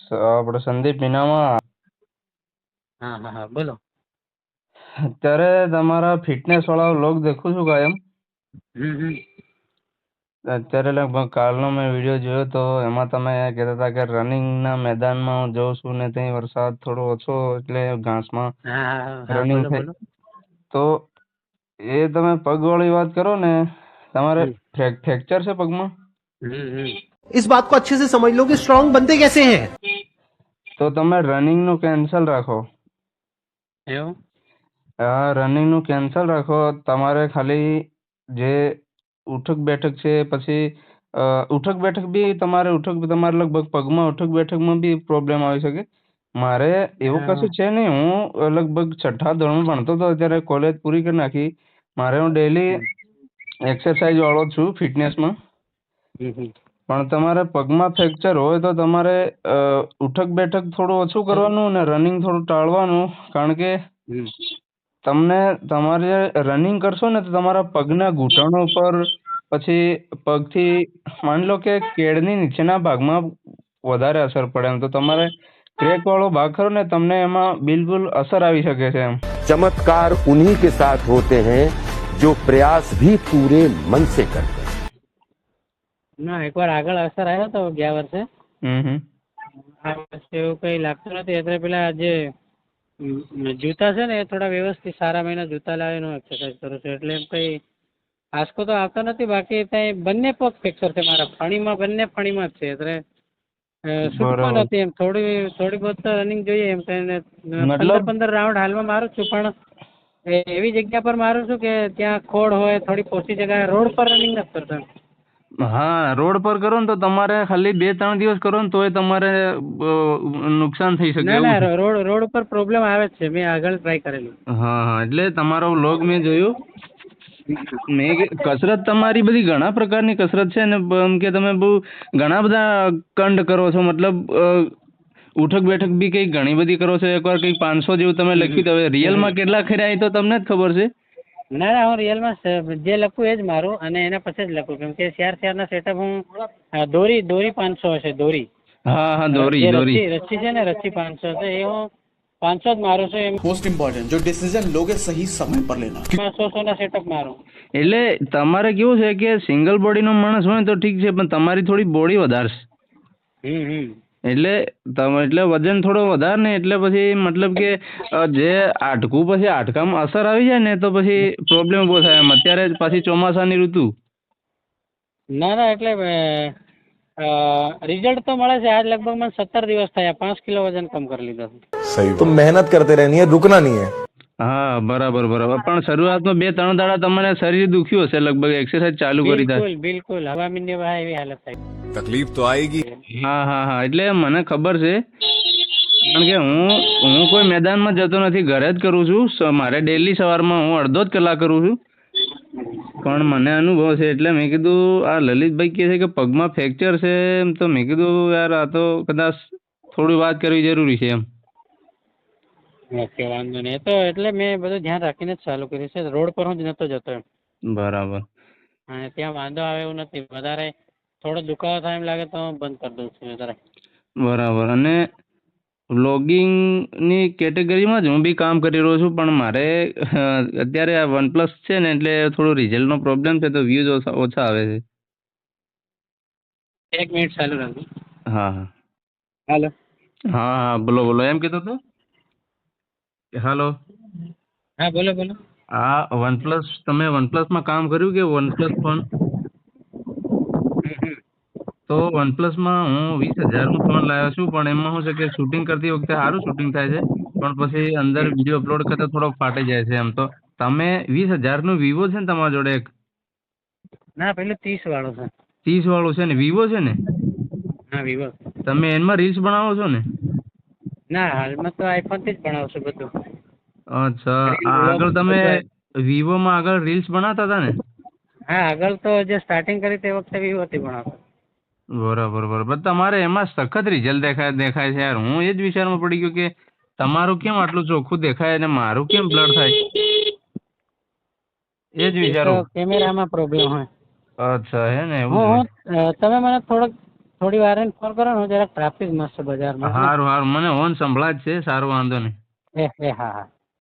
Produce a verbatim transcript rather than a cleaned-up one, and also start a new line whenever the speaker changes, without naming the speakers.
આપણે સંદીપ મીનામાં
હા હા હા બોલો.
અત્યારે તમારા ફિટનેસ વાળા વ્લોગ દેખું છું કાયમ.
હમ હમ
અત્યારે લગભગ કાલનો મેં વિડીયો જોયો તો એમાં તમે કહેતા હતા કે રનિંગના મેદાનમાં હું જોઉં છું ને ત્યાં વરસાદ થોડો ઓછો એટલે ઘાસમાં
હા હા હા હા
રનિંગ
બોલો
થઈ.
બોલો.
તો એ તમે પગવાળી વાત કરો ને, તમારે
હમ
ફ્રેક ફ્રેક્ચર છે પગમાં?
હમ હમ
इस बात को अच्छे से समझ लो कि स्ट्रांग बनते कैसे हैं।
તો તમે રનિંગનું કેન્સલ રાખો.
એવું?
હા, રનિંગનું કેન્સલ રાખો. તમારે ખાલી જે ઉઠક બેઠક છે, પછી અ, ઉઠક બેઠક બી તમારે ઉઠક તમારે લગભગ પગમાં ઉઠક બેઠકમાં બી પ્રોબ્લેમ આવી શકે. મારે એવું
હા
કશું છે નહીં. હું લગભગ છઠ્ઠા ધોરણમાં ભણતો હતો ત્યારે કોલેજ પૂરી કરી નાખી. મારે હું ડેલી
હમ
એક્સરસાઇઝ વાળો જ છું ફિટનેસમાં.
હમ હમ
પણ તમારે પગમાં ફ્રેક્ચર હોય તો તમારે અ, ઉઠક બેઠક થોડું ઓછું કરવાનું અને રનિંગ થોડું ટાળવાનું. કારણ કે
હમ
તમને તમારે રનિંગ કરશો ને તો તમારા પગના ઘૂંટણો ઉપર, પછી પગથી માની લો કે કેળની નીચેના ભાગમાં વધારે અસર પડે એમ. તો તમારે ક્રેક વાળો ભાગ ખરો ને, તમને એમાં બિલકુલ અસર આવી શકે છે એમ.
चमत्कार उन्हीं के साथ होते हैं जो प्रयास भी पूरे मन से करते हैं।
ના એકવાર આગળ અસર આવ્યો તો ગયા વર્ષે.
હમ હમ
આ વર્ષે એવું કઈ લાગતું નથી. એટલે પેલા જે અમ, જૂતા છે ને એ થોડા વ્યવસ્થિત સારા મહિના જૂતા લાવીને હું એક્સરસાઇઝ કરું છું. એટલે એમ કઈ આંચકો તો આવતો નથી. બાકી ત્યાં બંને પગ ફ્રેક્ચર છે મારા, ફણીમાં બંને ફણીમાં જ છે. એટલે અ, છૂટકો
બરાબર.
નથી એમ. થોડી થોડી બહુ તો રનિંગ જોઈએ એમ કરીને પંદર
મતલબ
પંદર રાઉન્ડ હાલમાં મારું છું. પણ એ એવી જગ્યા પર મારું છું કે ત્યાં ખોડ હોય, થોડી પોચી જગ્યાએ. રોડ પર રનિંગ નથી કરતો એમ.
હા, રોડ પર કરો ને તો તમારે ખાલી બે ત્રણ દિવસ કરો ને તોય તમારે અ, નુકસાન થઈ શકે
ના
એવું
ના
છે.
રોડ રોડ ઉપર પ્રોબ્લેમ આવે જ છે. મેં આગળ ટ્રાય કરેલું.
હા હા, એટલે તમારો વ્લોગ મેં જોયું. મેં કે- કસરત તમારી બધી ઘણા પ્રકારની કસરત છે ને, બ- એમ કે તમે બહુ ઘણા બધા કંડ કરો છો. મતલબ અ, ઉઠક બેઠક બી કંઈક ઘણી બધી કરો છો. એકવાર કંઈક પાંચસો જેવું તમે લખ્યું તો હવે રિયલમાં કેટલા ખર્યા એ તો તમને જ ખબર છે.
ના ના હું રિયલમાં જે લખું એ જ મારું, અને એના પછી જ લખું. કેમ કે ચાર ચારના સેટઅપ હું અ, દોરી દોરી પાંચસો હશે દોરી.
હા હા, દોરી
જે
દોરી.
રસ્સી રસ્સી છે ને, રસ્સી પાંચસો છે એ હું પાંચસો જ મારું છું. એમાં
मोस्ट इम्पोर्टेंट जो डिसीजन लोगे सही समय पर लेना।
સો સો ના સેટઅપ મારું.
એટલે તમારે કેવું છે કે સિંગલ બોડીનો માણસ હોય ને તો ઠીક છે, પણ તમારી થોડી બોડી વધારે છે.
હમ હમ
એટલે તમે એટલે વજન થોડો વધારે ને એટલે પછી મતલબ કે અ, જે હાડકું પછી હાડકામાં અસર આવી જાય ને તો પછી પ્રોબ્લેમ ઊભો થાય એમ. અત્યારે પાછી ચોમાસાની ઋતુ.
ના ના એટલે રિઝલ્ટ તો મળે છે. આજ લગભગ મને સત્તર દિવસ થયા, પાંચ કિલો વજન કમ કરી લીધો.
सही तो मेहनत करते रहनी है, रुकना नहीं है।
હા, બરાબર બરાબર. પણ શરૂઆતમાં બે ત્રણ દાડા તમને શરીર દુખ્યું હશે લગભગ, એક્સરસાઇઝ ચાલુ કરી થાય.
બિલકુલ બિલકુલ હવા મીંડે બહાર એવી હાલત થાય.
तकलीफ तो आएगी।
હા હા હા, એટલે મને ખબર છે. કારણ કે હું હું કોઈ મેદાનમાં જતો નથી, ઘરે જ કરું છું. સ- મારે ડેલી સવારમાં હું અડધો જ કલાક કરું છું. પણ મને અનુભવ છે એટલે મેં કીધું આ લલિતભાઈ કહે છે કે પગમાં ફ્રેક્ચર છે એમ, તો મેં કીધું યાર આ તો કદાચ થોડી વાત કરવી જરૂરી છે એમ.
ઓકે વાંધો નહીં. એ તો એટલે મેં બધું ધ્યાન રાખીને જ ચાલુ કર્યું છે. રોડ પર હું જ નતો જતો એમ.
બરાબર
અને ત્યાં વાંધો આવે એવું નથી. વધારે થોડો દુખાવો થાય એમ લાગે તો હું બંધ કરી દઉં છું વધારે.
બરાબર. અને વ્લોગિંગની કેટેગરીમાં જ હું બી કામ કરી રહ્યો છું, પણ મારે અ, અત્યારે આ વનપ્લસ છે ને એટલે થોડો રિઝલ્ટનો પ્રોબ્લેમ છે, તો વ્યૂઝ ઓછા ઓછા આવે છે.
એક મિનિટ ચાલુ રાખજો.
હા હા
હાલો.
હા હા, બોલો બોલો. એમ કીધું તું. હાલો.
હા બોલો બોલો.
આ વનપ્લસ, તમે વનપ્લસમાં કામ કર્યું કે વનપ્લસ ફોન? તો વનપ્લસમાં હું વીસ હજારનો ફોન લાવ્યો છું, પણ એમાં શું છે કે શૂટિંગ કરતી વખતે સારું શૂટિંગ થાય છે, પણ પછી અંદર વિડીયો અપલોડ કરતા થોડો ફાટી જાય છે એમ. તો તમે વીસ હજારનું વિવો છે ને તમારા જોડે એક?
ના પેલું ત્રીસ વાળો છે.
ત્રીસ વાળું છે ને, વિવો છે ને?
હા વિવો.
તમે એમાં રીલ્સ બનાવો છો ને?
ના હાલમાં તો આઈફોન થી જ ભણાવશું બધું.
અચ્છા.
રીલ
આ
વ્લોગ
આગળ તમે
બધું.
વિવોમાં આગળ રીલ્સ બનાવતા હતા ને?
હા આગળ તો જે સ્ટાર્ટિંગ કરી તે વખતે વિવો થી ભણાવતો.
બરાબર બરાબર. તમારે એમાં સખત રિઝલ્ટ દેખાય દેખાય છે યાર. હું એ જ વિચારમાં પડી ગયો કે તમારું કેમ આટલું ચોખ્ખું દેખાય અને મારું કેમ બ્લર થાય? એ જ
એ તો
વિચારું.
કેમેરામાં પ્રોબ્લેમ હોય.
અચ્છા, હે ને, એવું
હું
છે.
હું અ, તમે મને થોડોક થોડી વાર રહીને ફોન કરો ને, હું જરાક ટ્રાફિક મસ્ત છે બજારમાં.
સારું સારું મને હોન સંભળાય જ છે સારું વાંધો નહીં
એ એ હા હા.